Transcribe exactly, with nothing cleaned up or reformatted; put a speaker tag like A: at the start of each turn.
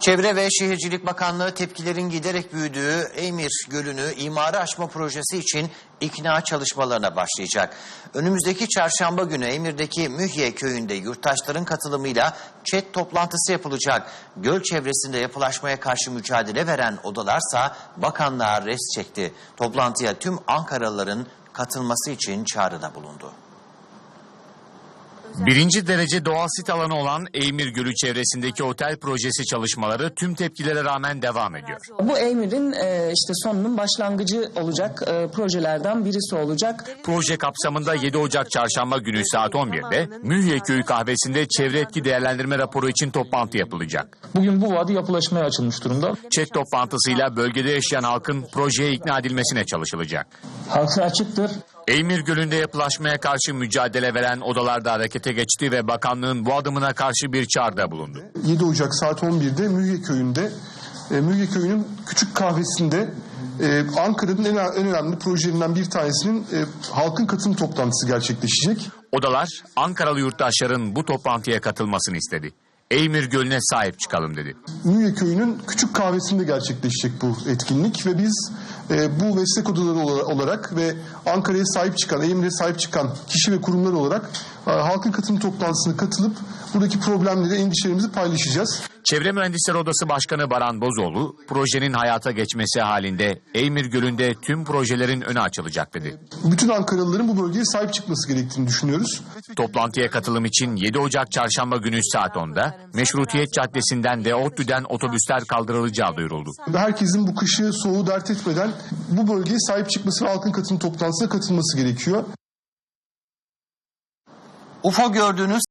A: Çevre ve Şehircilik Bakanlığı tepkilerin giderek büyüdüğü Eymir Gölü'nü imara açma projesi için ikna çalışmalarına başlayacak. Önümüzdeki çarşamba günü Eymir'deki Mühye köyünde yurttaşların katılımıyla ÇED toplantısı yapılacak. Göl çevresinde yapılaşmaya karşı mücadele veren odalarsa bakanlığa res çekti. Toplantıya tüm Ankaralıların katılması için çağrıda bulundu.
B: Birinci derece doğal sit alanı olan Eymir Gölü çevresindeki otel projesi çalışmaları tüm tepkilere rağmen devam ediyor.
C: Bu Eymir'in e, işte sonunun başlangıcı olacak e, projelerden birisi olacak.
B: Proje kapsamında yedi Ocak Çarşamba günü saat on birde Mühye Köyü kahvesinde çevre etki değerlendirme raporu için toplantı yapılacak.
D: Bugün bu vadi yapılaşmaya açılmış durumda.
B: ÇED toplantısıyla bölgede yaşayan halkın projeye ikna edilmesine çalışılacak.
D: Halka açıktır.
B: Eymir Gölü'nde yapılaşmaya karşı mücadele veren odalar da harekete geçti ve bakanlığın bu adımına karşı bir çağrıda bulundu.
E: yedi Ocak saat on birde Mühye Köyü'nde, e, Mühye Köyü'nün küçük kahvesinde e, Ankara'nın en, en önemli projelerinden bir tanesinin e, halkın katılım toplantısı gerçekleşecek.
B: Odalar Ankaralı yurttaşların bu toplantıya katılmasını istedi. Eymir Gölü'ne sahip çıkalım dedi.
E: Mühye Köyü'nün küçük kahvesinde gerçekleşecek bu etkinlik ve biz e, bu meslek odaları olarak ve Ankara'ya sahip çıkan, Eymir'e sahip çıkan kişi ve kurumlar olarak e, halkın katılım toplantısına katılıp buradaki problemleri, endişelerimizi paylaşacağız.
B: Çevre Mühendisleri Odası Başkanı Baran Bozoğlu, projenin hayata geçmesi halinde Eymir Gölü'nde tüm projelerin önü açılacak dedi.
E: Bütün Ankaralıların bu bölgeye sahip çıkması gerektiğini düşünüyoruz.
B: Toplantıya katılım için yedi Ocak Çarşamba günü saat onda Meşrutiyet Caddesi'nden ve ODTÜ'den otobüsler kaldırılacağı duyuruldu.
E: Herkesin bu kışı, soğuğu dert etmeden bu bölgeye sahip çıkması ve halkın katılım toplantısına katılması gerekiyor.
A: U F O gördüğünüz